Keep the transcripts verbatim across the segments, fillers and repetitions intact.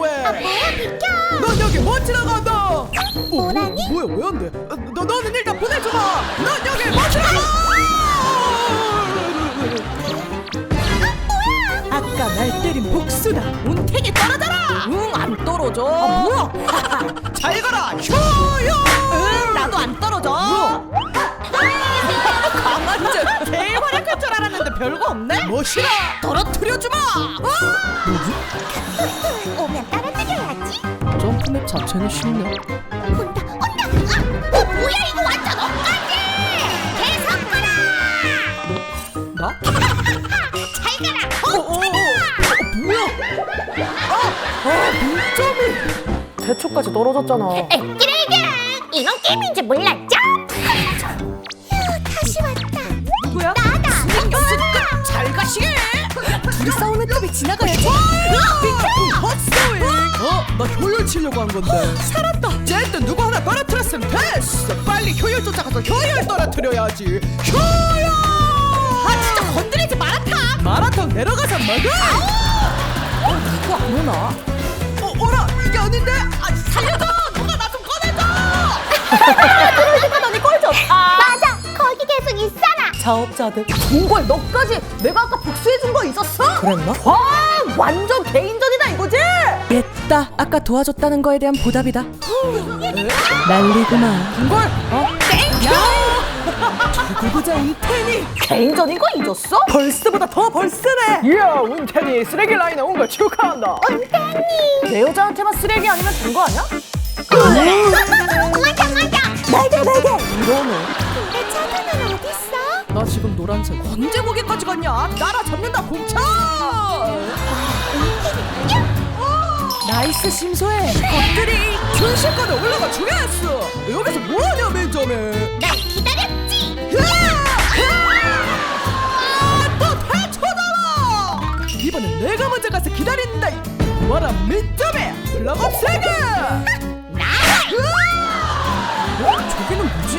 왜? 아 뭐야 비켜. 넌 여기 못 지나간다. 어, 뭐라니? 뭐, 뭐야 왜 안 돼? 너 너는 일단 보내줘봐. 넌 여기 못 지나가. 아까 날 때린 복수다. 운택이 떨어져라. 응, 안 떨어져. 아 뭐야? 잘 가라 효요. 응, 나도 안 떨어져. 강아지 제일 활약할 줄 알았는데 별거 없네. 멋이라. 떨어뜨려주마. 오면 따라뜨려야지. 점프맵 자체는 쉽네. 온다 온다. 아, 어, 뭐야 이거 완전 엇가지. 계속 가라. 나? 잘 가라. 어, 어, 어, 어, 뭐야? 아, 아, 문점이. 대초까지 떨어졌잖아. 끼레기야. 이건 게임인지 몰랐죠? 휴 다시 왔다. 누구야? 나다. 스승 잘 가시게. 둘이 싸우는 탑이 지나가야지. 헛소잉. 어? 나 효율 치려고 한 건데. 살았다. 어쨌든 누구 하나 떨어뜨렸으면 됐어. 빨리 효율 쫓아가서 효율 떨어뜨려야지. 효율. 아, 진짜 건드리지 마라타. 마라탕 내려가서 먹어. 어, 누구 안 오나? 어, 어라 이게 아닌데? 아, 살려줘. 누가 나 좀 꺼내줘. 너니 꼴 좋다. 맞아. 거기 계속 있어라. 자업자득. 정말 너까지 내가 아까 복수해준 거 잊었어? 그랬나? 와, 완전 개인전이다 이거지? 됐다. 아까 도와줬다는 거에 대한 보답이다. 난리구만. 이걸? 어? 야! 두고 보자 운텐이. 개인전인 거 잊었어? 벌스보다 더 벌스네. 이야 운텐이 쓰레기 라인에 온 걸 축하한다. 내 여자한테만 쓰레기 아니면 된 거 아니야? 맞아 맞아. 날개 날개. 이러네. 내 차도는 어딨어? 나 지금 노란색. 언제 거기까지 갔냐? 나라 잡는다 공차. 나이스 심소해. 것들이 순식간에 올라가 주겠어. 여기서 뭐하냐 맨점에. 날 기다렸지. 아또 대초다. 이번엔 내가 먼저 가서 기다린다. 와라 맨점에 올라가 세게. 어? 저기는 뭐지?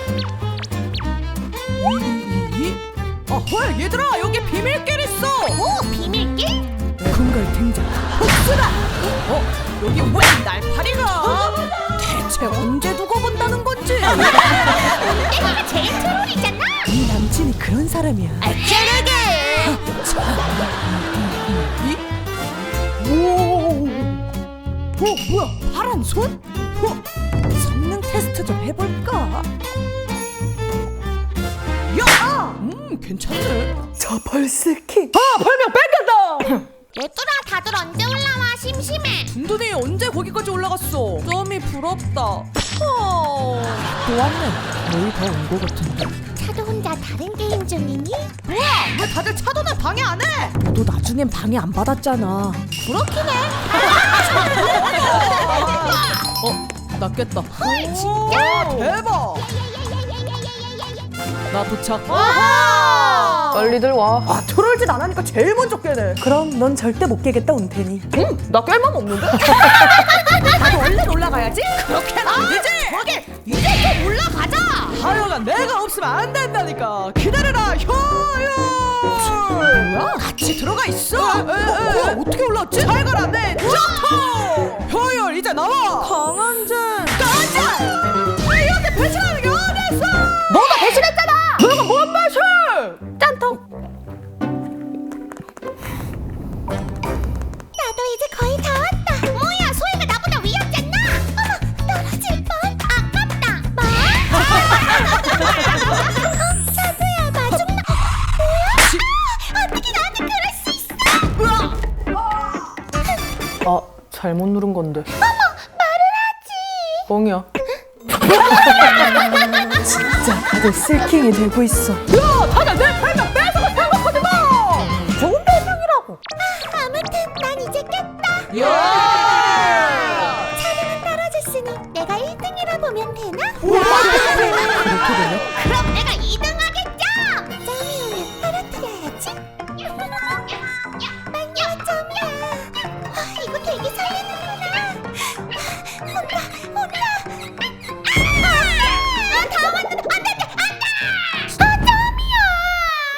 이이이? 아 헐 얘들아 여기 비밀길 있어. 오 비밀길? 금갈 등장. 복수다. 어? 여기 왜 날파리가? 대체 언제 두고 본다는 건지. 내가 제일 트롤이잖아. 네 남친이 그런 사람이야. 아 캐르게. 오. 어 뭐야 파란 손? 어? 성능 테스트 좀 해볼까? 야! 음 괜찮네. 저 벌스키. 아 벌명 뺏겼다. 얘들아 다들 언제 올라와? 심심해. 둔둔이 언제 거기까지 올라갔어? 점이 부럽다. 어. 또 왔네. 거의 다 온 거 같은데. 차도 혼자 다른 게임 중이니? 뭐야 왜 다들 차도는 방해 안 해? 너도 나중엔 방해 안 받았잖아. 그렇긴 해. 어? 나 깼다. 헐 진짜? 대박. 나 도착. 와. 빨리들 와. 아 트롤짓 안 하니까 제일 먼저 깨네. 그럼 넌 절대 못 깨겠다 운텐이. 응? 나 깰 맘 없는데? 나도 얼른 올라가야지. 그렇게는 안 되지. 저기 이제 좀 올라가자. 하여간 내가 없으면 안 된다니까. 기다려라 효율. 뭐야? 같이 들어가 있어. 에, 에, 에. 뭐야 어떻게 올라왔지? 잘 가라 내 점프. 효율 이제 나와. 강한젠. 가자. 이렇게 배신하는 게 어딨어? 너가 배신했잖아. 너가 뭔 배신? 짠통. 나도 이제 거의 다 왔다. 뭐야 소희가 나보다 위였잖아. 어머 떨어질 뻔. 아깝다. 뭐? 어, 차도야 마중 나. 뭐야? 어떻게 나한테 그럴 수 있어? 아 잘못 누른 건데. 말을 하지. 뻥이야. 진짜 다들 슬킹이 되고 있어. 야 다들 내 별명 뺏어가 생각하지 마. 좋은 별명이라고. 아무튼 난 이제 깼다. 야. 차도는 떨어졌으니 내가 일 등이라 보면 되나? 그렇게 되냐? 그럼 내가 이 등 하겠죠? 점이 오면 떨어뜨려야지. 빨리 점이야. 아, 이거 되게 설레는구나. 온다, 온다. 아, 아, 다 왔는데 안 돼, 안 돼, 안 돼. 아, 점이야.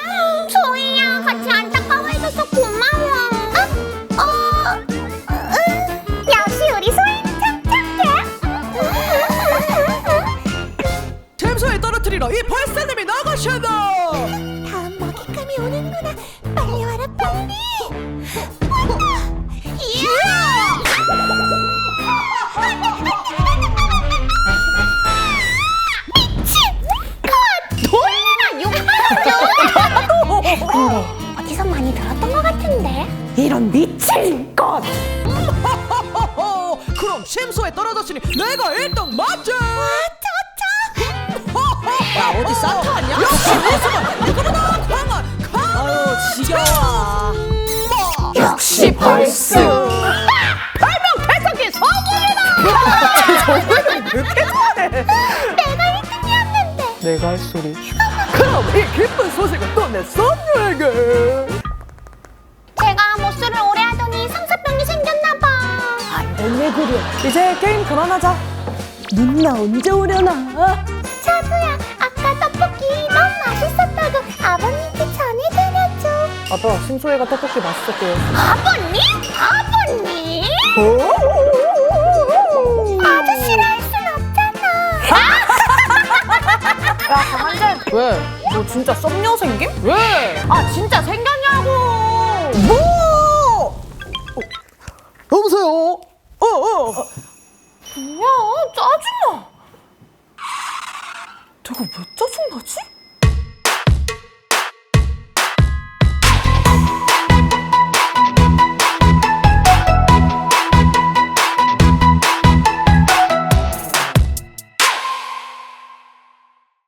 이런 미친 것! 허허허, 그럼 심소에 떨어졌으니 내가 일 등 맞지? 야, 어디 산타 아니야? 역시 우승은 누구보다 강한 강한 아유, 지겨워. 마. 역시 벌스! 별명 개척이 성공이다! 저번에 왜 이렇게 잘해? 내가 일 등이었는데. 내가 할 소리. 그럼 이 기쁜 소식은 또 내 선녀에게. 제가 모쏠을 오래 하더니 상사병이 생겼나봐. 왜 그래? 이제 게임 그만하자. 누나 언제 오려나? 차두야, 아까 떡볶이 너무 맛있었다고 아버님께 전해드려줘. 아빠, 심소혜가 떡볶이 맛있었대요. 아버님? 아버님? 아저씨라 할 순 없잖아. 야, 강한재. 왜? 너 진짜 썸녀 생김? 왜? 아, 진짜 생겼냐고. 뭐? 여보세요? 어, 어. 뭐야, 짜증나. 내가 왜 짜증나지?